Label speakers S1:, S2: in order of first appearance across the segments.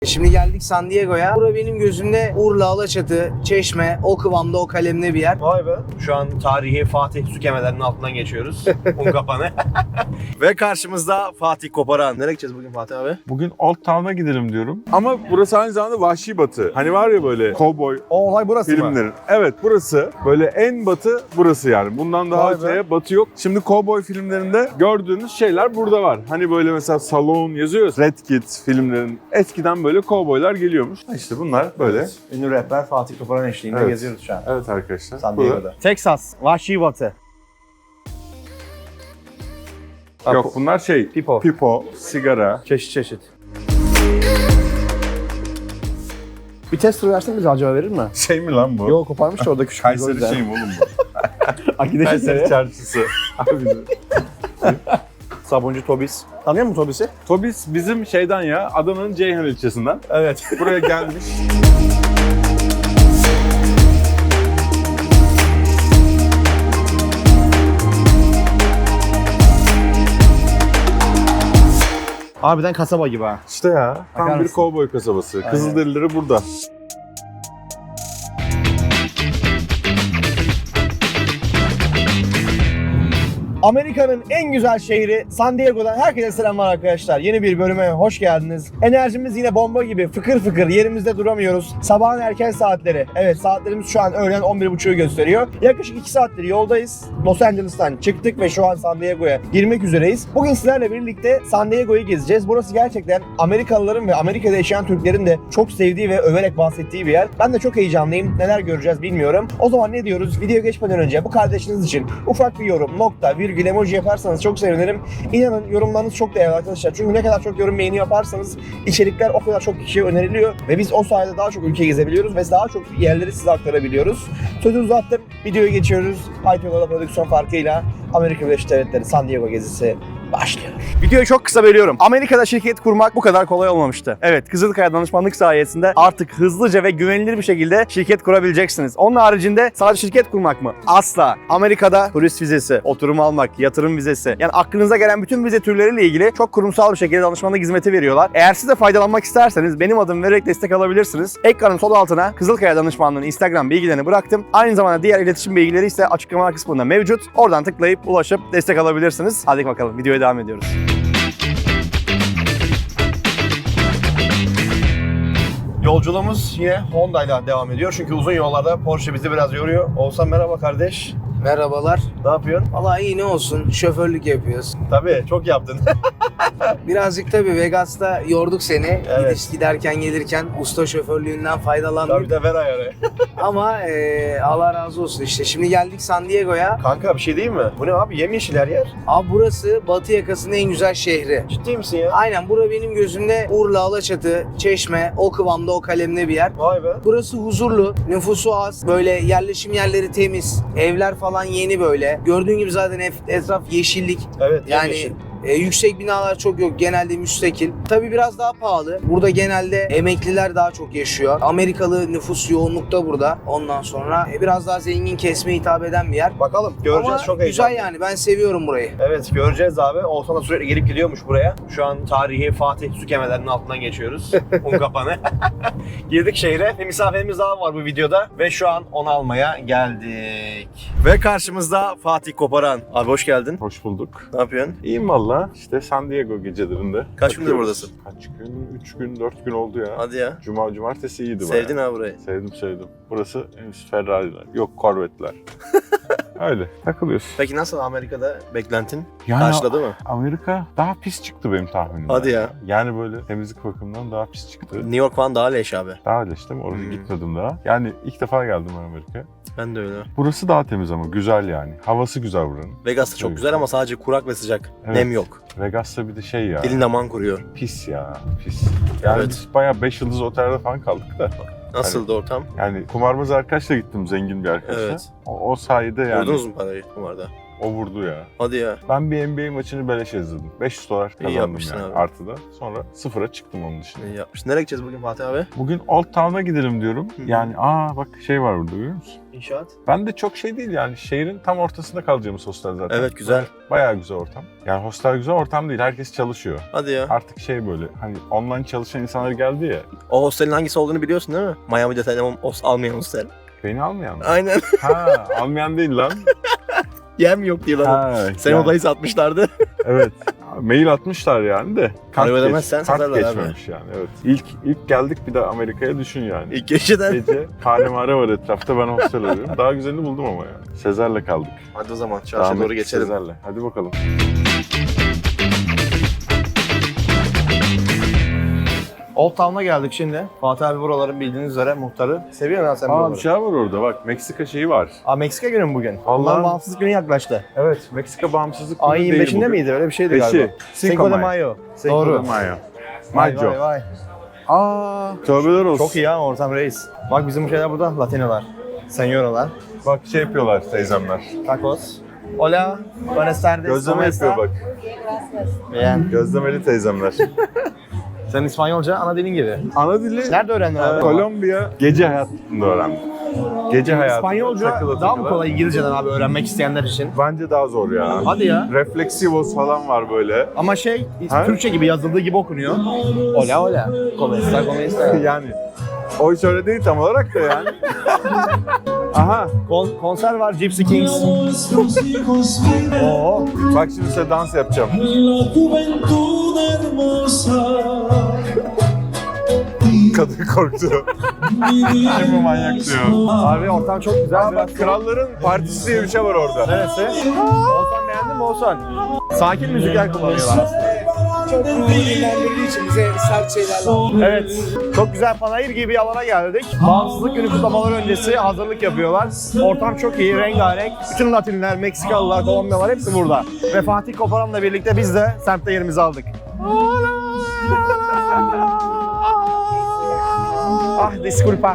S1: Şimdi geldik San Diego'ya. Bura benim gözümde Urla, Alaçatı, Çeşme, o kıvamda, o kalemde bir yer.
S2: Vay be. Şu an tarihi Fatih su kemerlerinin altından geçiyoruz. Unkapanı. Ve karşımızda Fatih Koparan. Nereye gideceğiz bugün Fatih abi?
S3: Bugün Old Town'a gidelim diyorum. Ama burası aynı zamanda Vahşi Batı. Hani var ya böyle cowboy
S2: O olay burası mı?
S3: filmlerin. Evet, burası. Böyle en batı burası yani. Bundan daha
S2: Vay be.
S3: öteye batı yok. Şimdi cowboy filmlerinde gördüğünüz şeyler burada var. Hani böyle mesela Salon yazıyor. Red Kit filmlerin. Eskiden böyle cowboylar geliyormuş. İşte bunlar böyle.
S2: Ünlü rapper Fatih Koparan eşliğinde
S3: Evet.
S2: geziyoruz şu an.
S3: Evet arkadaşlar.
S2: San
S3: Bu da-
S2: Diego'da. Texas, Vahşi Batı.
S3: Yok bunlar şey. Pipo, sigara.
S2: Çeşit çeşit. Bir test turu versin bize acaba verir mi?
S3: Şey mi lan bu?
S2: Yok koparmış da orada küçük.
S3: Kayseri şey mi oğlum bu? Kayseri çarşısı. Abi,
S2: Sabuncu Tobis. Tanıyor musun Tobis'i?
S3: Tobis bizim şeyden ya, Adana'nın Ceyhan ilçesinden.
S2: Evet.
S3: Buraya gelmiş.
S2: Harbiden kasaba gibi ha.
S3: İşte ya,
S2: Bakar
S3: tam bir
S2: mısın?
S3: kovboy kasabası.
S2: Aynen.
S3: Kızılderilileri burada.
S2: Amerika'nın en güzel şehri San Diego'dan herkese selamlar arkadaşlar. Yeni bir bölüme hoş geldiniz. Enerjimiz yine bomba gibi fıkır fıkır yerimizde duramıyoruz. Sabahın erken saatleri. Evet saatlerimiz şu an öğlen 11.30'u gösteriyor. Yaklaşık 2 saattir yoldayız. Los Angeles'tan çıktık ve şu an San Diego'ya girmek üzereyiz. Bugün sizlerle birlikte San Diego'yu gezeceğiz. Burası gerçekten Amerikalıların ve Amerika'da yaşayan Türklerin de çok sevdiği ve överek bahsettiği bir yer. Ben de çok heyecanlıyım. Neler göreceğiz bilmiyorum. O zaman ne diyoruz? Videoya geçmeden önce bu kardeşiniz için ufak bir yorum, nokta, virgül, emoji yaparsanız çok sevinirim. İnanın yorumlarınız çok değerli arkadaşlar. Çünkü ne kadar çok yorum beğeni yaparsanız içerikler o kadar çok kişiye öneriliyor ve biz o sayede daha çok ülke gezebiliyoruz ve daha çok yerleri size aktarabiliyoruz. Sözü uzattım. Videoya geçiyoruz. Haytola prodüksiyon farkıyla Amerika Birleşik Devletleri San Diego gezisi başlıyor. Videoyu çok kısa bölüyorum. Amerika'da şirket kurmak bu kadar kolay olmamıştı. Evet, Kızılkaya danışmanlık sayesinde artık hızlıca ve güvenilir bir şekilde şirket kurabileceksiniz. Onun haricinde sadece şirket kurmak mı? Asla. Amerika'da turist vizesi, oturum almak, yatırım vizesi, yani aklınıza gelen bütün vize türleriyle ilgili çok kurumsal bir şekilde danışmanlık hizmeti veriyorlar. Eğer siz de faydalanmak isterseniz benim adımı vererek destek alabilirsiniz. Ekranın sol altına Kızılkaya danışmanlığının Instagram bilgilerini bıraktım. Aynı zamanda diğer iletişim bilgileri ise açıklama kısmında mevcut. Oradan tıklayıp ulaşıp destek alabilirsiniz. Hadi bakalım videoya devam ediyoruz. Yolculuğumuz yine Honda ile devam ediyor. Çünkü uzun yollarda Porsche bizi biraz yoruyor. Oğuzhan merhaba kardeş.
S1: Merhabalar.
S2: Ne yapıyorsun?
S1: Vallahi iyi ne olsun, şoförlük yapıyoruz.
S2: Tabii çok yaptın.
S1: Birazcık tabii Vegas'ta yorduk seni.
S2: Evet.
S1: Giderken gelirken usta şoförlüğünden faydalandık.
S2: Tabii de ver ayarı.
S1: Ama Allah razı olsun işte. Şimdi geldik San Diego'ya.
S2: Kanka bir şey değil mi? Bu ne abi? Yemyeşil her yer.
S1: Abi burası Batı yakasının en güzel şehri.
S2: Ciddi misin ya?
S1: Aynen, bura benim gözümde Urla, Alaçatı, Çeşme, o kıvamda, o kalemde bir yer.
S2: Vay be.
S1: Burası huzurlu, nüfusu az, böyle yerleşim yerleri temiz, evler falan yeni böyle. Gördüğün gibi zaten etraf yeşillik.
S2: Evet.
S1: Yani
S2: yemyeşil.
S1: yüksek binalar çok yok, genelde müstakil. Tabii biraz daha pahalı. Burada genelde emekliler daha çok yaşıyor. Amerikalı nüfus yoğunlukta burada. Ondan sonra biraz daha zengin kesime hitap eden bir yer.
S2: Bakalım göreceğiz.
S1: Ama
S2: çok
S1: güzel
S2: heyecanlı.
S1: yani, ben seviyorum burayı.
S2: Evet göreceğiz abi. Oğuzhan da sürekli gelip gidiyormuş buraya. Şu an tarihi Fatih su kemerlerinin altından geçiyoruz. Unkapanı. Girdik şehre. Bir misafirimiz daha var bu videoda. Ve şu an onu almaya geldik. Ve karşımızda Fatih Koparan. Abi hoş geldin.
S3: Hoş bulduk.
S2: Ne yapıyorsun?
S3: İyiyim valla. İşte San Diego gecelerinde.
S2: Kaç gündür
S3: takıyoruz.
S2: buradasın?
S3: Kaç gün? 3 gün, 4 gün oldu ya.
S2: Hadi ya.
S3: Cumartesi iyiydi bayağı.
S2: Sevdin ha burayı.
S3: Sevdim. Burası henüz Ferrari'ler. Yok Corvette'ler. Öyle takılıyoruz.
S2: Peki nasıl Amerika'da beklentin?
S3: Yani
S2: Karşıladı mı?
S3: Amerika daha pis çıktı benim tahminimden.
S2: Hadi ya.
S3: Yani böyle temizlik bakımından daha pis çıktı.
S2: New York falan daha leş abi.
S3: Daha leş değil mi? Oraya gitmedim daha. Yani ilk defa geldim ben Amerika'ya.
S2: Ben de öyle.
S3: Burası daha temiz ama güzel yani. Havası güzel buranın.
S2: Vegas'ta çok
S3: Evet.
S2: güzel ama sadece kurak ve sıcak.
S3: Evet.
S2: Nem yok.
S3: Vegas'ta bir de şey ya.
S2: Dilin aman kuruyor.
S3: Pis ya. Pis. Yani
S2: Evet.
S3: biz bayağı 5 yıldız otelde falan kaldık da.
S2: Nasıldı ortam?
S3: Yani kumarbaz arkadaşla gittim, zengin bir arkadaşla.
S2: Evet.
S3: O sayede yani.
S2: Vurdunuz mu parayı kumarda?
S3: O vurdu ya.
S2: Hadi ya.
S3: Ben bir NBA maçını beleş izledim. $500 kazandım
S2: yapmışsın
S3: yani
S2: abi.
S3: artıda. Sonra sıfıra çıktım onun dışında.
S2: İyi yapmış. Nereye gideceğiz bugün Fatih abi?
S3: Bugün Old Town'a gidelim diyorum. Yani bak şey var burada görüyor musun?
S2: İnşaat.
S3: Ben de çok şey değil yani şehrin tam ortasında kalacağımız hostel zaten.
S2: Evet, güzel.
S3: Bayağı güzel ortam. Yani hostel güzel ortam değil, herkes çalışıyor.
S2: Hadi ya.
S3: Artık şey böyle hani online çalışan insanlar geldi ya.
S2: O hostelin hangisi olduğunu biliyorsun değil mi? Miami'de sen almayan hostel.
S3: Beni almayan mı?
S2: Aynen.
S3: Ha, almayan değil lan.
S2: Yem yok diyorlar.
S3: Ha,
S2: Senin
S3: yani,
S2: odayı satmışlardı.
S3: evet. Mail atmışlar yani de.
S2: Para ödemezsen
S3: kart
S2: satarlar abi.
S3: geçmemiş yani evet. İlk geldik bir de Amerika'ya düşün yani.
S2: İlk geceden.
S3: Gece kahvemare var etrafta, ben hostel arıyorum. Daha güzelini buldum ama yani. Sezer'le kaldık.
S2: Hadi o zaman
S3: Devam
S2: çarşıya doğru
S3: ettik
S2: geçelim.
S3: Sezer'le. Hadi bakalım.
S2: Old Town'a geldik şimdi. Fatih abi buraların bildiğiniz üzere muhtarı. Seviyor musun sen buraları?
S3: Bir şey var orada bak, Meksika şeyi var.
S2: Meksika günü mü bugün?
S3: Allah'ım.
S2: Onların bağımsızlık günü yaklaştı.
S3: Evet, Meksika bağımsızlık günü
S2: Ayın
S3: değil
S2: 25'inde
S3: bugün.
S2: miydi? Öyle bir şeydi
S3: 5'i.
S2: galiba. Cinco de Mayo.
S3: Cinco
S2: Doğru.
S3: de Mayo.
S2: Vay
S3: Mayo.
S2: vay vay.
S3: Tövbeler olsun.
S2: Çok iyi ya ortam reis. Bak bizim bu şeyler burada. Latinolar. Senyoralar.
S3: Bak şey yapıyorlar teyzemler.
S2: Tacos. Hola. Buenas tardes.
S3: Gözleme yapıyor bak.
S2: Bien.
S3: Gözlemeli teyzemler.
S2: Sen İspanyolca ana dilin gibi.
S3: Ana dili
S2: Nerede öğrendin abi?
S3: Kolombiya gece hayatında öğrendim. Gece hayatında
S2: İspanyolca
S3: takıla
S2: daha mı
S3: takıla.
S2: kolay İngilizceden abi öğrenmek isteyenler için?
S3: Bence daha zor ya.
S2: Hadi ya.
S3: Reflexivos falan var böyle.
S2: Ama
S3: Ha?
S2: Türkçe gibi yazıldığı gibi okunuyor. Hola hola. ¿Cómo está? ¿Cómo está?
S3: Yani o hiç öyle değil tam olarak da yani. Aha.
S2: Konser var Gypsy Kings. Oo.
S3: Bak şimdi size dans yapacağım. Kadın korktu. Kim bu manyak diyor.
S2: Abi ortam çok güzel.
S3: Aa, bak kralların partisi diye bir şey var orada.
S2: Neresi? Oğuzhan beğendin mi Oğuzhan? Sakin müzikler kullanıyorlar aslında.
S1: Çok ruhu dinlendirici için bize sert şeyler lazım.
S2: Evet, çok güzel panayır gibi bir alana geldik. Bağımsızlık günü kutlamaları öncesi hazırlık yapıyorlar. Ortam çok iyi, rengarenk. Bütün Latinler, Meksikalılar, Kolombiyalılar hepsi burada. Ve Fatih Koparan'la birlikte biz de semtte yerimizi aldık. Ah, disculpa.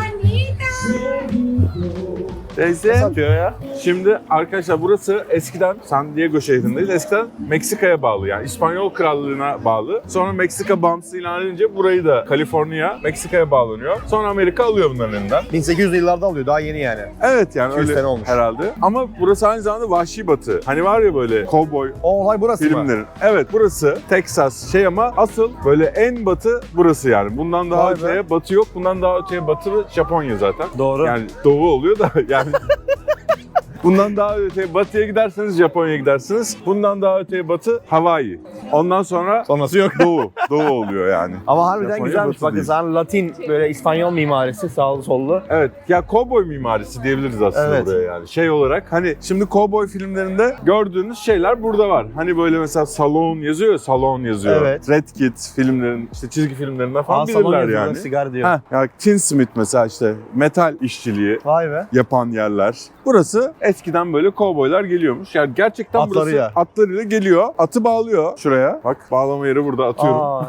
S3: Teyze.
S2: Satıyor ya.
S3: Şimdi arkadaşlar burası eskiden San Diego şehrindeyiz. Eskiden Meksika'ya bağlı yani İspanyol Krallığı'na bağlı. Sonra Meksika bağımsız ilan edince burayı da Kaliforniya Meksika'ya bağlanıyor. Sonra Amerika alıyor bunların elinden.
S2: 1800'lü yıllarda alıyor, daha yeni yani.
S3: Evet yani
S2: 200
S3: öyle
S2: sene olmuş.
S3: herhalde. Ama burası aynı zamanda vahşi batı. Hani var ya böyle cowboy
S2: O olay burası mı?
S3: filmlerin. Evet burası Texas şey ama asıl böyle en batı burası yani. Bundan daha
S2: Vay be.
S3: öteye batı yok. Bundan daha öteye batı Japonya zaten.
S2: Doğru.
S3: Yani doğu oluyor da yani bundan daha öteye batıya giderseniz Japonya'ya gidersiniz. Bundan daha öteye batı Hawaii. Ondan sonra
S2: Sonrası yok.
S3: doğu oluyor yani.
S2: Ama harbiden
S3: Japonya
S2: güzelmiş.
S3: batı
S2: Bakın
S3: değil.
S2: sen Latin böyle İspanyol mimarisi sağlı sollu.
S3: Evet ya cowboy mimarisi diyebiliriz aslında
S2: Evet.
S3: buraya yani. Şey olarak hani şimdi cowboy filmlerinde gördüğünüz şeyler burada var. Hani böyle mesela salon yazıyor ya, salon yazıyor.
S2: Evet.
S3: Red Kit filmlerin işte çizgi filmlerinden falan
S2: Salon
S3: bilirler
S2: yazıyor,
S3: yani.
S2: sigara diyor.
S3: Ha, ya Tinsmith mesela işte metal işçiliği
S2: Vay be.
S3: yapan yerler. Burası eskiden böyle kovboylar geliyormuş. Yani gerçekten
S2: Atlarıyla.
S3: burası atlarıyla geliyor. Atı bağlıyor şuraya. Bak bağlama yeri burada atıyorum.
S2: Aa.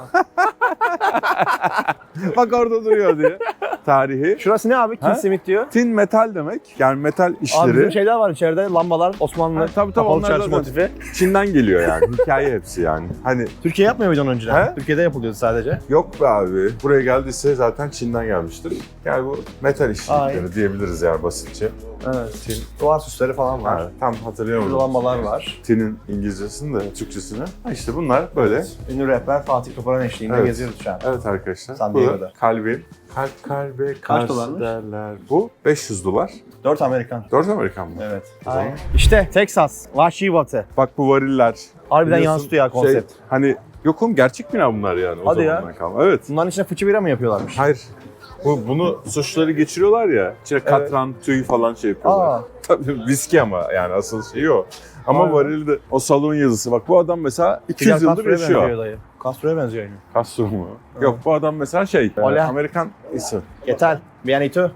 S3: Bak orada duruyor diye. Tarihi.
S2: Şurası ne abi?
S3: Ha?
S2: Kim simit diyor.
S3: Tin metal demek. Yani metal
S2: Abi
S3: işleri.
S2: bizim şeyler var içeride, lambalar, Osmanlı
S3: Ha, tabii,
S2: kapalı
S3: onlar
S2: çarşı
S3: zaten-
S2: motifi.
S3: Çin'den geliyor yani. Hikaye hepsi yani. Hani
S2: Türkiye yapmıyor muydu onu önceden?
S3: He?
S2: Türkiye'de yapılıyordu sadece.
S3: yok be abi. Buraya geldiyse zaten Çin'den gelmiştir. Yani bu metal işçilikleri
S2: Aynen.
S3: diyebiliriz yani basitçe.
S2: Evet.
S3: Tin.
S2: Duvar süsleri falan var.
S3: Ha, tam hatırlayamadım.
S2: Burada lambalar var.
S3: Tin'in İngilizcesini de Türkçesini. Ha işte bunlar böyle.
S2: Ünlü rapper Fatih Koparan eşliğinde
S3: Evet.
S2: geziyoruz şu an.
S3: Evet arkadaşlar.
S2: San
S3: bu
S2: Diego'da.
S3: kalbin. Kalbe
S2: Kaç
S3: karşı
S2: dolarmış?
S3: derler. Bu $500.
S2: 4 Amerikan.
S3: 4 Amerikan mı?
S2: Evet.
S3: O zaman-
S2: İşte Texas, vahşi batı.
S3: Bak bu variller.
S2: Harbiden
S3: Biliyorsun,
S2: yansıtıyor ya konsept.
S3: Hani yok oğlum gerçek bina bunlar yani o
S2: Hadi ya.
S3: zamandan kalma. Evet.
S2: Bunların içine fıçı bira mı yapıyorlarmış?
S3: Hayır. Bunu suçları geçiriyorlar ya. İçine katran, tüy falan şey yapıyorlar.
S2: Aa.
S3: Tabii viski ama yani asıl şey o. Ama
S2: Vay be.
S3: varilde o salon yazısı. Bak bu adam mesela 200
S2: Fidel
S3: yıldır
S2: Castro'ya benziyor
S3: yaşıyor.
S2: dayı. Castro'ya benziyor yani.
S3: Castro mu? Yok bu adam mesela şey.
S2: Hola.
S3: Amerikan isim.
S2: ¿Qué tal? Bienito.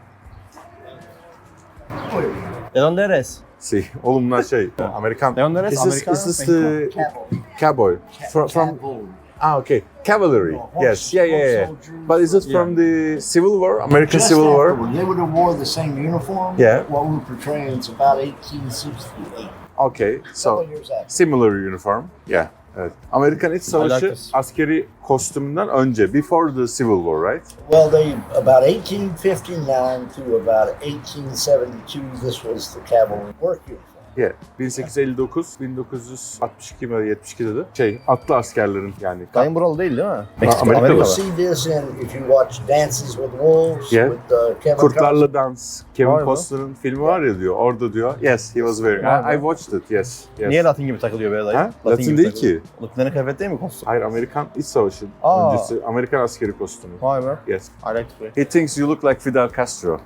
S2: ¿De dónde eres?
S3: Si. Oğlum bunlar şey. Amerikan.
S2: ¿De dónde eres?
S3: Is this,
S2: Americano?
S3: is this the cowboy? From okay. Cavalry. Yes. Yeah. But is it from the Civil War? American
S4: Just
S3: Civil War?
S4: afterward, they would have wore the same uniform.
S3: Yeah.
S4: What we're portraying is about 1868.
S3: Okay, so
S4: Couple years after.
S3: similar uniform. Yeah. Evet. Amerikan İç Savaşı
S2: like this.
S3: askeri kostümünden önce, before the Civil War, right?
S4: Well, they about 1859 to about 1872. This was the cavalry work uniform.
S3: Yeah. 1859, 1962 mi 72 dedi. Atlı askerlerin yani.
S2: Dayın buralı değil mi? Meksika,
S3: Amerikalı.
S4: You
S2: Amerikalı.
S4: see this in if you watch Dances with Wolves
S3: Yeah.
S4: with Kevin Costner.
S3: Kurtlarla Dans, Kevin
S2: Vay be.
S3: Costner'ın filmi var ya diyor. Orada diyor. Yes, he was wearing.
S2: Vay be.
S3: I watched it. Yes. Yes.
S2: Niye Latin gibi takılıyor be dayı?
S3: Ha? Latin
S2: gibi
S3: değil
S2: takılıyor.
S3: ki.
S2: Latinlerin kıyafet değil mi kostüm?
S3: Hayır, Amerikan İç Savaşı
S2: Aa.
S3: öncesi Amerikan askeri kostümü.
S2: Vay be.
S3: Yes.
S2: I like to play.
S3: He thinks you look like Fidel Castro.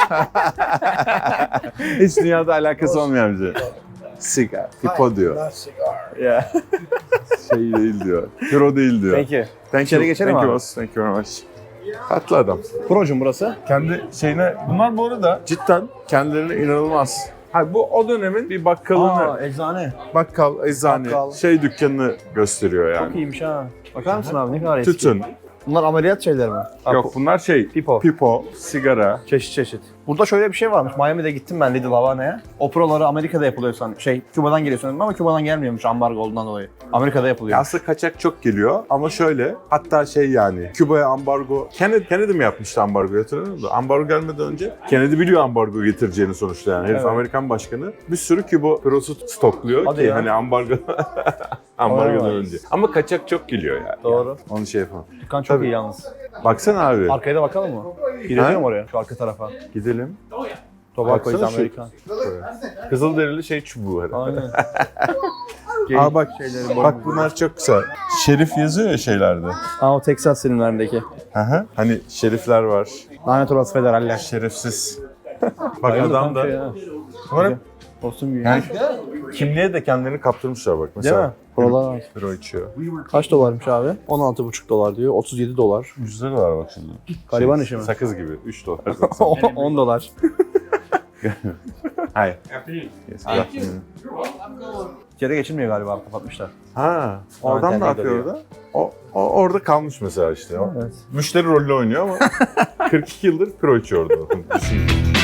S3: Hiç dünyada alakası olmayan bir şey. Sigar, pipo diyor.
S4: Not cigar.
S2: Yeah.
S3: Şey değil diyor. Piro değil diyor.
S2: Peki.
S3: Thank
S2: İçeri
S3: you.
S2: geçelim
S3: Thank you
S2: abi.
S3: boss. Thank you very much. Tatlı adam.
S2: Projum burası.
S3: Kendi şeyine... Bunlar bu arada cidden kendilerine inanılmaz. Ha, bu o dönemin bir bakkalını,
S2: eczane.
S3: bakkal, eczane,
S2: Bakkal.
S3: şey dükkanını gösteriyor
S2: Çok
S3: yani.
S2: iyiymiş ha. Bakar mısın abi ne kadar eski.
S3: Tütün.
S2: Bunlar ameliyat şeyleri mi?
S3: Yok bunlar şey,
S2: Pipo.
S3: sigara.
S2: Çeşit çeşit. Burada şöyle bir şey varmış. Miami'de gittim ben Little Havana'ya. Operaları Amerika'da yapılıyor sanırım. Küba'dan geliyor sanırım ama Küba'dan gelmiyormuş ambargo olduğundan dolayı. Amerika'da yapılıyor.
S3: Aslında kaçak çok geliyor ama şöyle, hatta şey yani Küba'ya ambargo, Kennedy mi yapmıştı ambargo, hatırladın mı? Ambargo gelmeden önce Kennedy biliyor ambargo getireceğini sonuçta yani. Herif
S2: Evet.
S3: Amerikan başkanı bir sürü Küba pirosu stokluyor
S2: Hadi
S3: ki
S2: ya.
S3: hani ambargodan
S2: Vay.
S3: önce. Ama kaçak çok geliyor yani.
S2: Doğru.
S3: Yani onu şey yapalım.
S2: Dükkan çok
S3: Tabii.
S2: iyi yalnız.
S3: Baksana abi.
S2: Arkaya da bakalım mı? Gidelim mi oraya? Şu arka tarafa.
S3: Gidelim.
S2: Tobacco is
S3: Baksana şu-
S2: American.
S3: Kızılderili şey çubuğu herhalde.
S2: Aynen.
S3: Aa bak, bak bunlar çok güzel. Şerif yazıyor ya şeylerde.
S2: Aa o Texas filmlerindeki.
S3: Aha. Hani şerifler var.
S2: Lanet olası federaller.
S3: Şerefsiz. Bak adam da.
S2: Şey ya.
S3: Bunlar hep
S2: Kostüm gibi.
S3: yani kimliğe de kendilerini kaptırmışlar bak.
S2: Değil mi?
S3: Mesela
S2: Buralar var.
S3: biro içiyor.
S2: Kaç dolarmış abi? 16,5 dolar diyor. 37 dolar.
S3: Yüzde dolar bak şimdi.
S2: Gariban işi mi?
S3: Sakız gibi. 3 dolar.
S2: 10 dolar.
S3: Hayır. Yes,
S2: İçeri geçilmiyor galiba. Kapatmışlar.
S3: ha, o adam ne
S2: terlik
S3: yapıyor
S2: ediyor.
S3: orada? O orada kalmış mesela işte. O.
S2: Evet.
S3: Müşteri rolü oynuyor ama 42 yıldır pro içiyor orada. Düşün.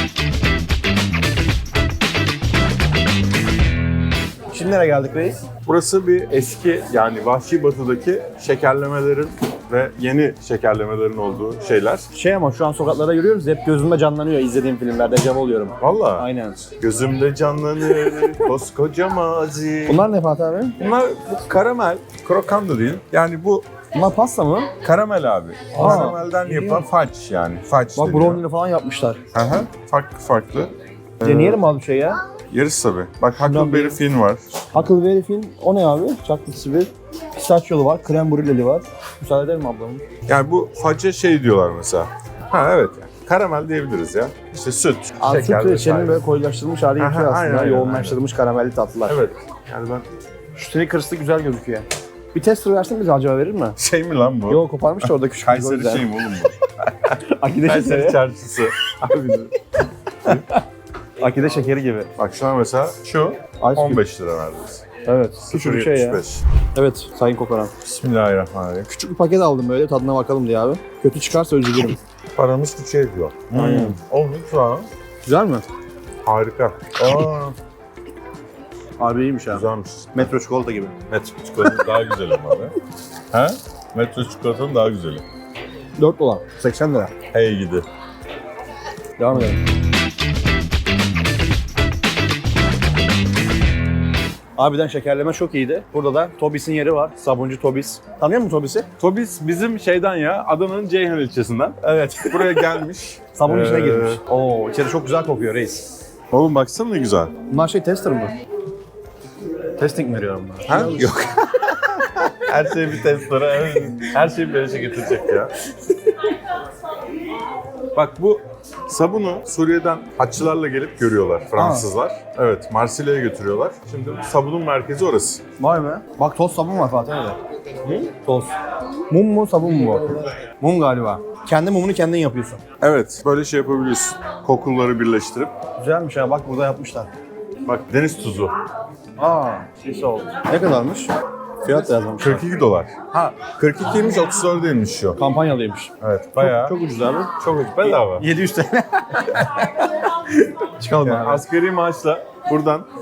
S2: Şimdi nereye geldik reis?
S3: Burası bir eski yani Vahşi Batı'daki şekerlemelerin ve yeni şekerlemelerin olduğu şeyler.
S2: Ama şu an sokaklarda yürüyoruz. Hep gözümde canlanıyor izlediğim filmlerde. Dejavu oluyorum.
S3: Valla.
S2: Aynen.
S3: Gözümde canlanır koskoca mazi.
S2: Bunlar ne Fatih abi?
S3: Bunlar bu karamel, krokan da değil. Yani bu
S2: Bunlar pasta mı?
S3: karamel abi.
S2: Aa,
S3: Karamelden yapılan fudge yani. Fudge
S2: Bak
S3: deniyor.
S2: brownie'li falan yapmışlar.
S3: Aha, farklı farklı.
S2: Deneyelim abi bir şey ya.
S3: Yeriz tabii. Bak
S2: Şundan
S3: Huckleberry
S2: bir-
S3: Finn var.
S2: Huckleberry Finn o ne abi? Chocolate bir pistachiyolu var, krem brüleli var. Müsaade eder mi ablamın?
S3: Yani bu fudge'e şey diyorlar mesela. Ha evet yani. Karamel diyebiliriz ya. İşte süt,
S2: Süt
S3: şeker
S2: ve
S3: vesaire.
S2: içerinin böyle koyulaştırılmış hali
S3: Aha,
S2: yapıyor aslında.
S3: aynen,
S2: Yoğunlaştırılmış karamelli tatlılar.
S3: Evet. Yani ben
S2: Şu Snickers'lı güzel gözüküyor. Bir tester versin bize acaba verir mi?
S3: şey mi lan bu?
S2: Yok koparmış da orada küçük bir
S3: Kayseri şey mi oğlum bu?
S2: Akide
S3: Kayseri
S2: şekeri.
S3: çarşısı. Abi
S2: Akide şekeri gibi.
S3: bak şuna mesela şu
S2: Ice
S3: 15 lira neredeyse.
S2: Evet. Küçük bir şey ya.
S3: 0.75.
S2: Evet sayın kokoran.
S3: Bismillahirrahmanirrahim.
S2: Küçük bir paket aldım böyle tadına bakalım diye abi. Kötü çıkarsa üzülürüm.
S3: Paramız bir şey diyor.
S2: Aynen.
S3: Olmuş şu an.
S2: Güzel mi?
S3: Harika. Aa,
S2: Abi iyiymiş ha.
S3: güzelmiş.
S2: Metro çikolata gibi.
S3: Metro çikolatanın daha güzeli ama abi. Ha? Metro çikolatanın daha güzeli.
S2: 4 dolar. 80 lira.
S3: Hey gidi.
S2: Devam edelim. Abiden şekerleme çok iyiydi. Burada da Tobis'in yeri var. Sabuncu Tobis. Tanıyor musun Tobis'i?
S3: Tobis bizim şeyden ya, Adana'nın Ceyhan ilçesinden.
S2: Evet.
S3: Buraya gelmiş.
S2: Sabun içine
S3: Ee,
S2: girmiş. Oo, içeri çok güzel kokuyor reis.
S3: Oğlum baksana ne güzel.
S2: Bunlar tester mı? Testing mi veriyorum bunlar?
S3: Ha? Yok. Her şey bir testlere, her şeyi beleşe getirecek ya. Bak bu sabunu Suriye'den haççılarla gelip görüyorlar Fransızlar. Evet, Marsilya'ya götürüyorlar. Şimdi sabunun merkezi orası.
S2: Vay be. Bak toz sabun var Fatih abi. Toz. Mum mu sabun mu bu? Mum galiba. Kendi mumunu kendin yapıyorsun.
S3: Evet, böyle şey yapabiliyorsun. Kokuları birleştirip.
S2: Güzelmiş ha bak burada yapmışlar.
S3: Bak deniz tuzu.
S2: Aa, şey oldu. Ne kadarmış? Fiyat da yazmamışlar.
S3: 42 dolar. Ha, 42'ymiş, 34 değilmiş şu.
S2: Kampanyalıymış.
S3: Evet, bayağı.
S2: Çok ucuz abi.
S3: Çok ucuz. Bedava.
S2: 700 TL. Çıkalım
S3: Yani
S2: abi.
S3: asgari maaşla buradan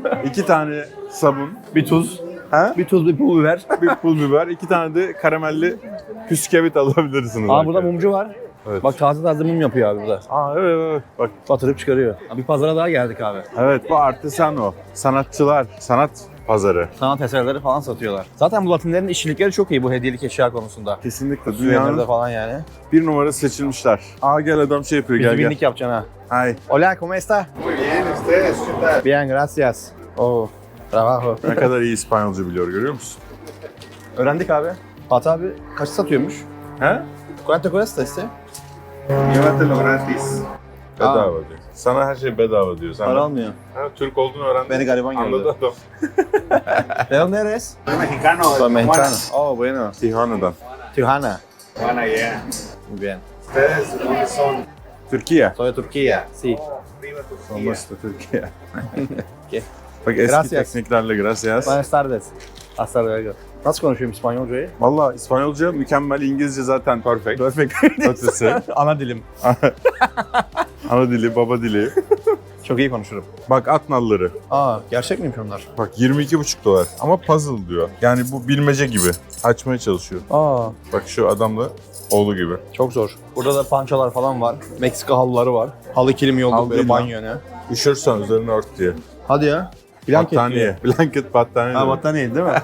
S3: 2 tane sabun,
S2: Bir tuz.
S3: ha?
S2: Bir tuz, bir pul biber.
S3: bir pul biber, 2 tane de karamelli püskevit alabilirsiniz.
S2: Aa burada
S3: arkadaşlar.
S2: mumcu var.
S3: Evet.
S2: Bak taze taze mum yapıyor abi burada.
S3: Aa evet. Bak
S2: Batırıp çıkarıyor. Bir pazara daha geldik abi.
S3: evet, bu artisano. Sanatçılar, sanat pazarı.
S2: Sanat eserleri falan satıyorlar. Zaten bu Latinlerin işçilikleri çok iyi bu hediyelik eşya konusunda.
S3: Kesinlikle
S2: Suvenirde
S3: dünyanın
S2: falan yani.
S3: bir numara seçilmişler. Aa gel adam şey yapıyor, gel gel.
S2: Üzgünlük yapacaksın ha.
S3: Hay.
S2: Hola, ¿cómo está?
S3: Muy bien, ustedes, ¿qué tal?
S2: Bien, gracias. Oh, trabajo.
S3: Ne kadar iyi İspanyolca biliyor, görüyor musun?
S2: Öğrendik abi. Fatih abi kaç satıyormuş?
S3: He?
S2: ¿Cuánto cuesta este?
S3: Llévatelo gratis. Bedava diyor. Sana her şey bedava diyor. Sen
S2: Para
S3: de-
S2: almıyor.
S3: Ha, Türk olduğunu öğrendin.
S2: Beni gariban gördü.
S3: Anladı adam.
S2: ¿De dónde eres?
S4: Soy mexicano.
S2: Soy mexicano. Oh, bueno.
S3: Tijuana'dan.
S2: Tijuana.
S4: Tijuana, yeah.
S2: Muy bien.
S4: ¿Ustedes de dónde son?
S2: Soy
S3: Türkiye.
S2: de Turquía. Sí.
S4: Arriba Turquía.
S3: Olmaz da Türkiye.
S2: ¿Qué?
S3: Bak eski
S2: Gracias.
S3: tekniklerle gracias.
S2: Buenas tardes. Hasta luego. Nasıl konuşuyorum İspanyolcayı?
S3: Valla İspanyolca mükemmel, İngilizce zaten perfect.
S2: Perfect.
S3: Ötesi.
S2: Ana dilim.
S3: Ana dili, baba dili.
S2: Çok iyi konuşurum.
S3: Bak at nalları.
S2: Aa, gerçek miymiş onlar?
S3: Bak 22,5 dolar. Ama puzzle diyor. Yani bu bilmece gibi. Açmaya çalışıyor.
S2: Aa,
S3: Bak şu adam da oğlu gibi.
S2: çok zor. Burada da pançalar falan var. Meksika halıları var. Halı kilimi yolladık
S3: Halı
S2: böyle
S3: değil lan.
S2: banyo ne?
S3: Üşürsen üzerine ört diye.
S2: Hadi ya. Blanket
S3: Battaniye. Blanket battaniye.
S2: Ha
S3: demek.
S2: battaniye değil mi?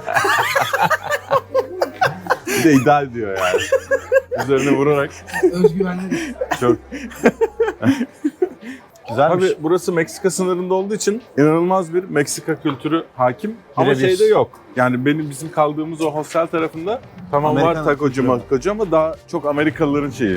S3: Bir de ideal diyor yani. Üzerine vurarak.
S1: Özgüvenli.
S3: Çok.
S2: Güzelmiş.
S3: Abi burası Meksika sınırında olduğu için inanılmaz bir Meksika kültürü hakim. Ama
S2: Birebir.
S3: şeyde yok. Yani bizim kaldığımız o hostel tarafında tamam
S2: Amerikan
S3: var takocu
S2: kültürü.
S3: makocu ama daha çok Amerikalıların şeyi.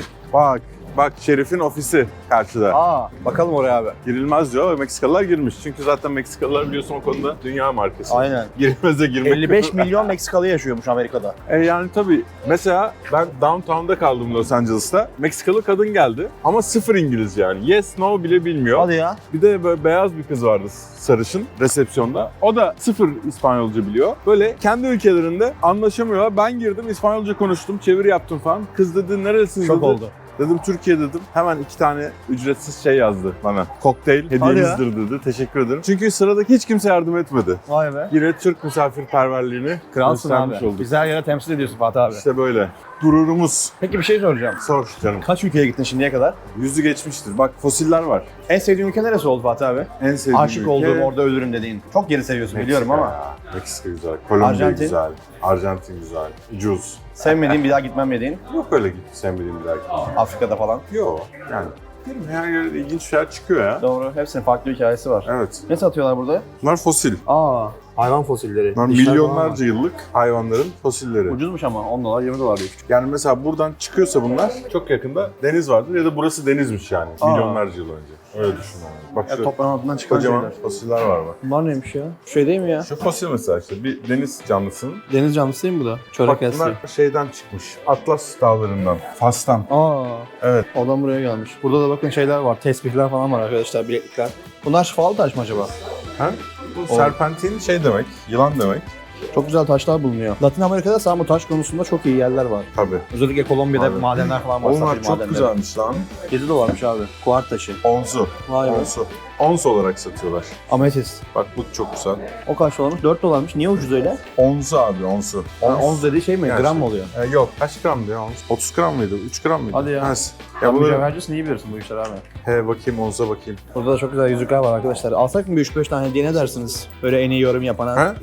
S3: Bak Şerif'in ofisi karşıda.
S2: Aa, bakalım oraya abi.
S3: Girilmez diyor ve Meksikalılar girmiş. Çünkü zaten Meksikalılar biliyorsun o konuda dünya markası.
S2: Aynen.
S3: Girilmez'e girmek
S2: 55 milyon Meksikalı yaşıyormuş Amerika'da.
S3: Yani tabii mesela ben downtown'da kaldım Los Angeles'ta. Meksikalı kadın geldi ama sıfır İngilizce yani. Yes, no bile bilmiyor.
S2: Hadi ya.
S3: Bir de böyle beyaz bir kız vardı sarışın resepsiyonda. O da sıfır İspanyolca biliyor. Böyle kendi ülkelerinde anlaşamıyorlar. Ben girdim İspanyolca konuştum, çeviri yaptım falan. Kız dedi nerelisiniz
S2: Şok
S3: dedi.
S2: oldu.
S3: Dedim Türkiye dedim. Hemen 2 tane ücretsiz şey yazdı bana. Kokteyl hediyenizdir dedi. Teşekkür ederim. Çünkü sıradaki hiç kimse yardım etmedi.
S2: Vay be.
S3: Yine Türk misafirperverliğini
S2: Kralsın abi.
S3: göstermiş olduk.
S2: Güzel yere temsil ediyorsun Fatih abi.
S3: İşte böyle. Gururumuz.
S2: Peki bir şey soracağım.
S3: Sor canım.
S2: Kaç ülkeye gittin şimdiye kadar?
S3: Yüzü geçmiştir. Bak fosiller var.
S2: En sevdiğin ülke neresi oldu Fatih abi?
S3: En sevdiğim
S2: Aşık
S3: ülke-
S2: olduğum orada ölürüm dediğin. Çok geri seviyorsun biliyorum ama.
S3: ya. Meksika güzel. Kolombiya
S2: Arjantin?
S3: güzel. Arjantin güzel. Ucuz.
S2: Sevmediğin bir daha gitmem dediğin.
S3: Yok öyle git sevmediğim bir dakika.
S2: Afrika'da falan.
S3: Yok yani. Değil mi? Her yerde ilginç şeyler çıkıyor ya.
S2: Doğru. Hepsinin farklı hikayesi var.
S3: Evet.
S2: Ne satıyorlar burada?
S3: Bunlar fosil.
S2: Aa, hayvan fosilleri.
S3: Bunlar
S2: Dişler falan
S3: milyonlarca yıllık hayvanların fosilleri.
S2: var. Ucuzmuş ama 10 dolar 20 dolar diyor.
S3: Yani mesela buradan çıkıyorsa bunlar çok yakında deniz vardır ya da burası denizmiş yani.
S2: Aa.
S3: Milyonlarca yıl önce. Öyle düşün yani. Bak
S2: Ya
S3: şu
S2: toprağın altından çıkan
S3: kocaman
S2: şeyler.
S3: fosiller var bak.
S2: Bunlar neymiş ya? Şey değil mi ya?
S3: Şu fosil mesela işte bir deniz canlısının.
S2: Deniz canlısı değil mi bu da? Çörek
S3: Bak
S2: yastığı.
S3: bunlar şeyden çıkmış. Atlas dağlarından. Fas'tan.
S2: Aa,
S3: Evet.
S2: oradan buraya gelmiş. Burada da bakın şeyler var. Tesbihler falan var arkadaşlar, bileklikler. Bunlar şifalı taş mı acaba?
S3: Ha? Bu serpentin şey demek, yılan demek.
S2: Çok güzel taşlar bulunuyor. Latin Amerika'da sağ bu taş konusunda çok iyi yerler var.
S3: Tabii.
S2: Özellikle Kolombiya'da
S3: Abi.
S2: madenler falan var.
S3: Onlar
S2: safir
S3: çok
S2: madenleri.
S3: güzelmiş lan.
S2: 7 dolarmış abi. Kuart taşı.
S3: Onsu.
S2: Vay be.
S3: Onsu. Ons olarak satıyorlar.
S2: Ametist.
S3: Bak bu çok güzel.
S2: O kaç dolarmış? 4 dolarmış. Niye ucuz öyle?
S3: Onsu abi onsu.
S2: Ons dediği şey mi?
S3: Yani
S2: Gram
S3: şey-
S2: mı oluyor?
S3: Yok kaç gramdı ya ons? 30 gram mıydı? 3 gram mıydı?
S2: Hadi ya.
S3: Neyse.
S2: Ya
S3: Ya
S2: bu
S3: bunları...
S2: mücevhercisin, iyi bilirsin bu işler abi.
S3: He bakayım onsa bakayım.
S2: Burada da çok güzel yüzükler var arkadaşlar. Alsak mı bir 3-5 tane hediye, ne dersiniz? Böyle en iyi yorum yapana.
S3: Ha?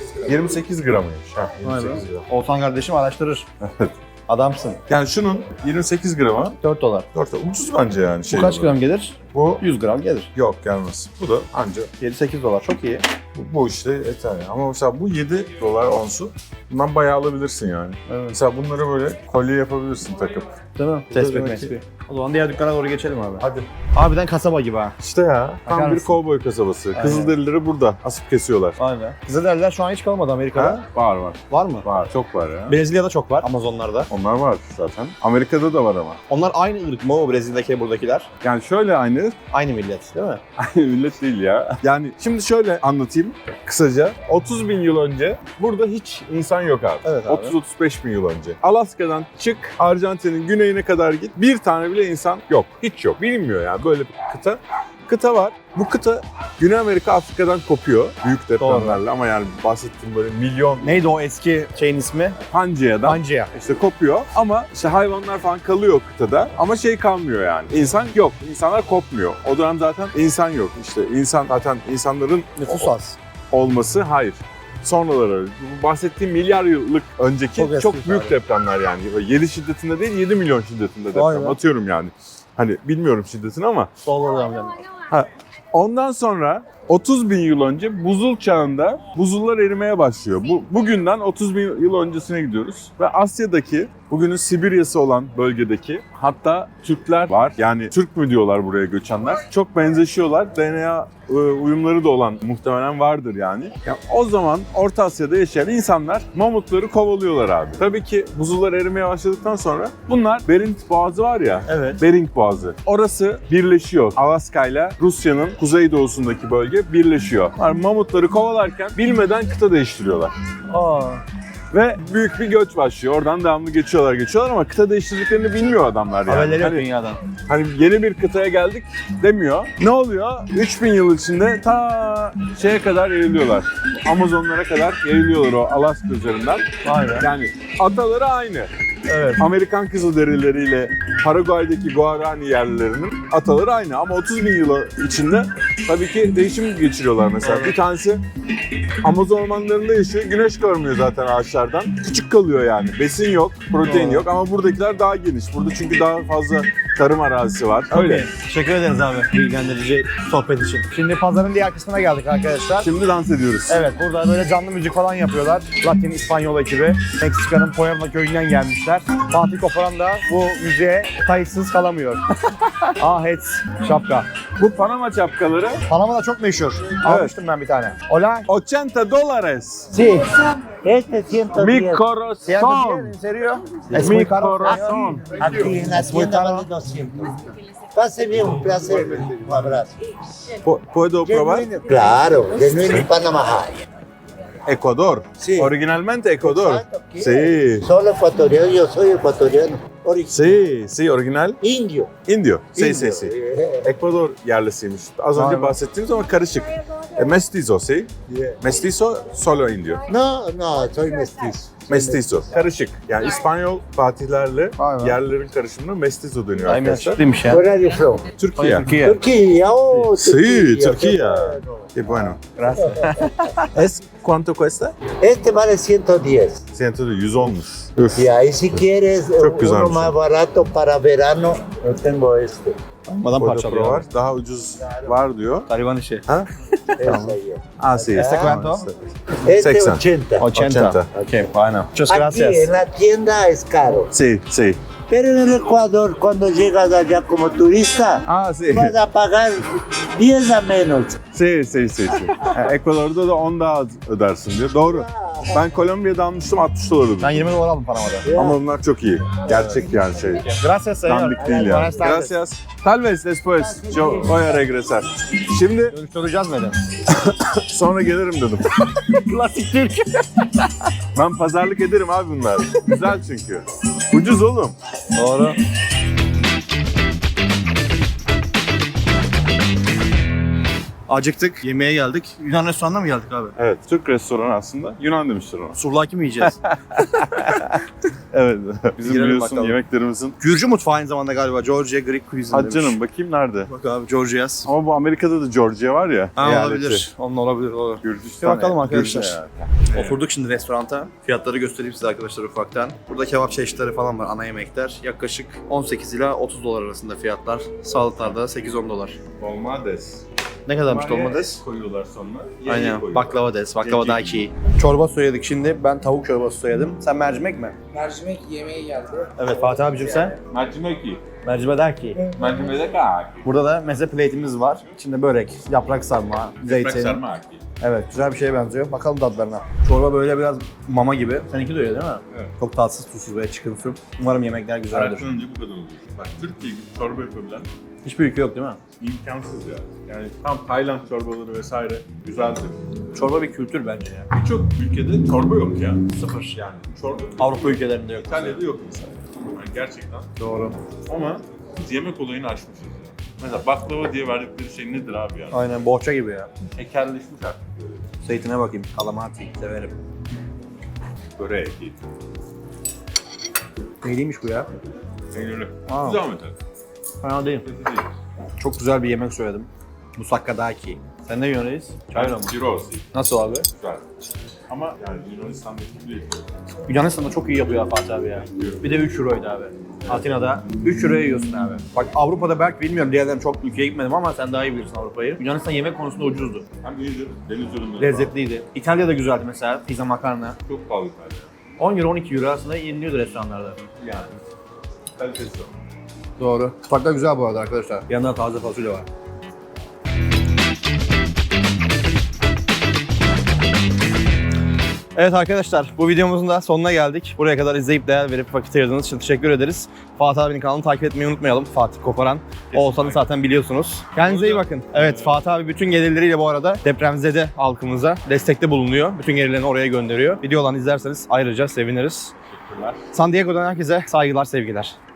S3: 28 gramıymış. Ha,
S2: Vay be.
S3: 28 gram.
S2: Olsan kardeşim araştırır. Adamsın.
S3: Yani şunun 28 gramı
S2: 4 dolar.
S3: 4 ucuz bence yani.
S2: Bu kaç gram gelir?
S3: Bu
S2: 100 gram gelir.
S3: yok gelmez. Bu da anca
S2: 7-8 dolar. Çok iyi.
S3: bu işte yeter yani. Ama mesela bu 7 dolar onsu. Bundan bayağı alabilirsin yani.
S2: Evet.
S3: Mesela bunları böyle kolye yapabilirsin takıp.
S2: Değil mi?
S3: Bu da
S2: Tespih
S3: demek
S2: mesbih. O zaman diğer dükkana doğru geçelim abi.
S3: Hadi.
S2: Harbiden kasaba gibi ha.
S3: İşte ya.
S2: Bakar
S3: Tam bir
S2: mısın?
S3: kovboy kasabası.
S2: Aynen.
S3: Kızılderilileri burada asıp kesiyorlar.
S2: Vay be. Kızılderililer şu an hiç kalmadı Amerika'da.
S3: Ha? Var var.
S2: Var mı?
S3: Var. Çok var ya.
S2: Brezilya'da çok var. Amazonlarda.
S3: Onlar var zaten. Amerika'da da var ama.
S2: Onlar aynı ırk mı o Brezilya'daki buradakiler?
S3: Yani şöyle aynı.
S2: Aynı millet değil mi?
S3: Aynı millet değil ya. Yani şimdi şöyle anlatayım kısaca. 30 bin yıl önce burada hiç insan yok abi.
S2: Evet abi.
S3: 30-35 bin yıl önce. Alaska'dan çık, Arjantin'in güneyine kadar git. Bir tane bile insan yok. Hiç yok. Bilinmiyor yani böyle bir kıta. kıta var. Bu kıta Güney Amerika Afrika'dan kopuyor büyük depremlerle ama yani bahsettiğim böyle milyon
S2: Neydi o eski şeyin ismi?
S3: Pangea'dan
S2: Pangea.
S3: işte kopuyor ama işte hayvanlar falan kalıyor kıtada ama şey kalmıyor yani. İnsan yok. İnsanlar kopmuyor. O dönem zaten insan yok. İşte insan zaten insanların
S2: Nüfus az.
S3: olması hayır. Sonraları öyle. Bu bahsettiğim milyar yıllık önceki
S2: Çok
S3: çok,
S2: eski
S3: büyük
S2: abi.
S3: depremler yani. 7 şiddetinde değil 7 milyon şiddetinde
S2: Vay
S3: deprem.
S2: be.
S3: Atıyorum yani. Hani bilmiyorum şiddetini ama. Ondan sonra 30 bin yıl önce buzul çağında buzullar erimeye başlıyor. Bugünden 30 bin yıl öncesine gidiyoruz. Ve Asya'daki, bugünün Sibirya'sı olan bölgedeki hatta Türkler var. Yani Türk mü diyorlar buraya göçenler. Çok benzeşiyorlar. DNA uyumları da olan muhtemelen vardır yani. Yani o zaman Orta Asya'da yaşayan insanlar mamutları kovalıyorlar abi. Tabii ki buzullar erimeye başladıktan sonra bunlar Bering Boğazı var ya.
S2: Evet.
S3: Bering Boğazı. Orası birleşiyor. Alaska ile Rusya'nın kuzeydoğusundaki bölge birleşiyor. Yani mamutları kovalarken bilmeden kıta değiştiriyorlar.
S2: Aa.
S3: Ve büyük bir göç başlıyor. Oradan devamlı geçiyorlar ama kıta değiştirdiklerini bilmiyor adamlar yani.
S2: Haberleri yok
S3: Hani-
S2: dünyadan.
S3: Hani yeni bir kıtaya geldik demiyor. Ne oluyor? 3000 yıl içinde ta şeye kadar yayılıyorlar. Amazonlara kadar yayılıyorlar o Alaska üzerinden.
S2: Vay be.
S3: Yani ataları aynı.
S2: Evet.
S3: Amerikan Kızılderilileriyle Paraguay'daki Guarani yerlilerinin ataları aynı. Ama 30 bin yıl içinde tabii ki değişim geçiriyorlar mesela. Bir tanesi Amazon ormanlarında yaşıyor. Güneş görmüyor zaten ağaçlardan. Küçük kalıyor yani. Besin yok, protein yok ama buradakiler daha geniş. Burada çünkü daha fazla tarım arazisi var. Öyle.
S2: Okey. Teşekkür ederiz abi bilgilendirici sohbet için. Şimdi pazarın diğer kısmına geldik arkadaşlar.
S3: Şimdi dans ediyoruz.
S2: Evet, burada böyle canlı müzik falan yapıyorlar. Latin İspanyol ekibi. Meksika'nın Puebla köyünden gelmişler. Fatih Koparan da bu müziğe kayıtsız kalamıyor. Hets, şapka.
S3: Bu Panama şapkaları
S2: Panama'da çok meşhur. Almıştım ben bir tane. Hola.
S3: $80.
S4: Sí, este 110.
S3: Mi corazón.
S2: ¿En serio?
S3: Mi corazón.
S4: Aquí en la tienda vale 200. Pase bien, un placer. Un abrazo.
S3: Puedo probar?
S4: Claro, genuino Panama High.
S3: Ecuador.
S4: Sí.
S3: Originalmente Ecuador.
S4: Exacto, ¿qué?
S3: Sí.
S4: Solo ecuatoriano, yo soy ecuatoriano.
S3: Sí, sí, original.
S4: Indio.
S3: Indio. Sí,
S4: Indio.
S3: sí, sí. Ekvador yerlisiymiş. Az önce
S2: Vay be.
S3: bahsettiğimiz ama karışık. Mestizo, sí.
S4: Yeah.
S3: Mestizo, solo indio.
S4: No, no, soy mestizo.
S3: Mestizo. Karışık. Yani İspanyol fatihlerle
S2: Vay be.
S3: yerlilerin karışımına mestizo deniyor
S2: Aynen
S3: arkadaşlar.
S2: çıktıymış ya.
S4: Where are you from?
S3: Türkiye.
S2: Türkiye.
S4: Turquía, oh,
S3: Sí,
S4: Turquía.
S3: Turquía.
S4: qué bueno.
S3: Qué bueno.
S2: Gracias.
S3: Es cuánto cuesta?
S4: Este vale 110.
S3: 100 olmuş. Üf.
S4: Y ahí si quieres
S3: Çok güzelmiş.
S4: uno más barato para verano, yo tengo este.
S2: Madan
S3: Burada
S2: parçalıyor.
S3: var. Daha ucuz var diyor.
S2: Gariban işi.
S3: Ha?
S4: Ese ahí.
S3: Ah, sí.
S2: ¿Este cuánto?
S4: Este
S3: 80.
S4: 80.
S3: 80.
S2: Ok, bueno. Muchas
S4: Aquí
S2: gracias.
S4: en la tienda es caro.
S3: Sí, sí.
S4: Pero en el Ecuador, cuando llegas allá como turista,
S3: Ah, sí.
S4: vas a pagar 10 a menos.
S3: Sí, sí, sí, sí. Ekvador'da da 10 daha az ödersin diyor. Doğru. Ben Kolombiya'da almıştım $60
S2: Ben
S3: ödedim.
S2: 20 dolar aldım Panama'da.
S3: Ama bunlar çok iyi. Gerçek yani şey.
S2: Gracias señor.
S3: Dandik değil yani.
S2: Buenas tardes.
S3: Gracias. Tal vez después yo voy a regresar. Şimdi
S2: Dönüştüreceğiz mi?
S3: sonra gelirim dedim.
S2: Klasik Türk.
S3: Ben pazarlık ederim abi bunlar. Güzel çünkü. Ucuz oğlum.
S2: Doğru. Acıktık, yemeğe geldik. Yunan restoranına mı geldik abi?
S3: Evet, Türk restoranı aslında. Yunan demiştir ona.
S2: Surlaki mi yiyeceğiz?
S3: Evet. Bizim
S2: Girelim
S3: biliyorsun
S2: bakalım.
S3: yemeklerimizin.
S2: Gürcü mutfağı aynı zamanda galiba. Georgia Greek cuisine
S3: Hadi canım bakayım nerede?
S2: Bak abi Georgia yaz.
S3: Ama bu Amerika'da da Georgia var ya.
S2: Ha,
S3: eyaleti.
S2: olabilir. Onun olabilir. Olur.
S3: Gürcistan.
S2: Bir bakalım
S3: Gürcü
S2: arkadaşlar.
S3: yani.
S2: Oturduk şimdi restoranta. Fiyatları göstereyim size arkadaşlar ufaktan. Burada kebap çeşitleri falan var, ana yemekler. Yaklaşık 18 ila 30 dolar arasında fiyatlar. Salatalarda 8-10 dolar.
S3: Dolmades.
S2: Ne kadarmış
S3: Bunlar
S2: dolmades?
S3: koyuyorlar sonra.
S2: Aynen. Baklava des, baklava daki. Çorba söyledik şimdi. Ben tavuk çorbası söyledim. Sen mercimek mi?
S1: Mercimek yemeğe geldi.
S2: Evet Fatih abicim sen?
S3: Mercimeki.
S2: Mercimek daki.
S3: Mercimek'e kaki.
S2: Burada da meze plate'imiz var. İçinde börek, yaprak sarma, zeytin.
S3: aki.
S2: Evet, güzel bir şeye benziyor. Bakalım tadlarına. Çorba böyle biraz mama gibi. Seninki de öyle değil mi?
S3: Evet.
S2: Çok tatsız, tuzsuz ve çıkın su. Umarım yemekler güzeldir.
S3: Hayattan önce bu kadar oluyor. Bak Türkiye gibi çorba yapabilen
S2: Hiçbir ülke yok değil mi?
S3: imkansız ya. Yani tam Tayland çorbaları vesaire güzeldir.
S2: Çorba bir kültür bence ya.
S3: Birçok ülkede çorba yok ya. Sıfır yani. Çorba
S2: Avrupa ülkelerinde yok.
S3: İtalya'da yok mesela. Yani gerçekten.
S2: Doğru.
S3: Ama biz yemek olayını aşmışız. Mesela baklava diye verdikleri şey nedir abi yani?
S2: Aynen bohça gibi ya.
S3: Tekelleşmiş artık böyle.
S2: Zeytine bakayım. Kalamati severim.
S3: Böreğe değil.
S2: Neyliymiş bu ya?
S3: Peynirli.
S2: Aa.
S3: Güzel mi tadı?
S2: Fena değil.
S3: Kötü değil.
S2: Çok güzel bir yemek söyledim. Musakka daki. Sen ne yiyorsun reis? Çayla mı?
S3: Gyros.
S2: Nasıl abi?
S3: Güzel. Ama yani Yunanistan'daki değil.
S2: Yunanistan'da çok iyi yapıyor Fatih abi ya. Bir de 3 euroydu abi. Atina'da 3 euroya yiyorsun abi. Bak Avrupa'da belki bilmiyorum diğerlerim çok ülkeye gitmedim ama sen daha iyi bilirsin Avrupa'yı. Yunanistan yemek konusunda ucuzdu.
S3: Hem iyidir, deniz ürünleri
S2: Lezzetliydi. İtalya'da güzeldi mesela. Pizza makarna.
S3: var. Çok pahalı İtalya.
S2: 10 euro 12 euro aslında yeniliyordu restoranlarda.
S3: Yani. Kalitesi yok.
S2: Doğru. Mutfakta güzel bu arada arkadaşlar. Yanında taze fasulye var. Evet arkadaşlar bu videomuzun da sonuna geldik. Buraya kadar izleyip değer verip vakit ayırdığınız için teşekkür ederiz. Fatih abinin kanalını takip etmeyi unutmayalım. Fatih Koparan. Oğuzhan'ı zaten biliyorsunuz. Kendinize iyi bakın. Evet Fatih abi bütün gelirleriyle bu arada depremzede halkımıza destekte bulunuyor. Bütün gelirlerini oraya gönderiyor. Videolarını izlerseniz ayrıca seviniriz.
S3: Teşekkürler.
S2: San Diego'dan herkese saygılar, sevgiler.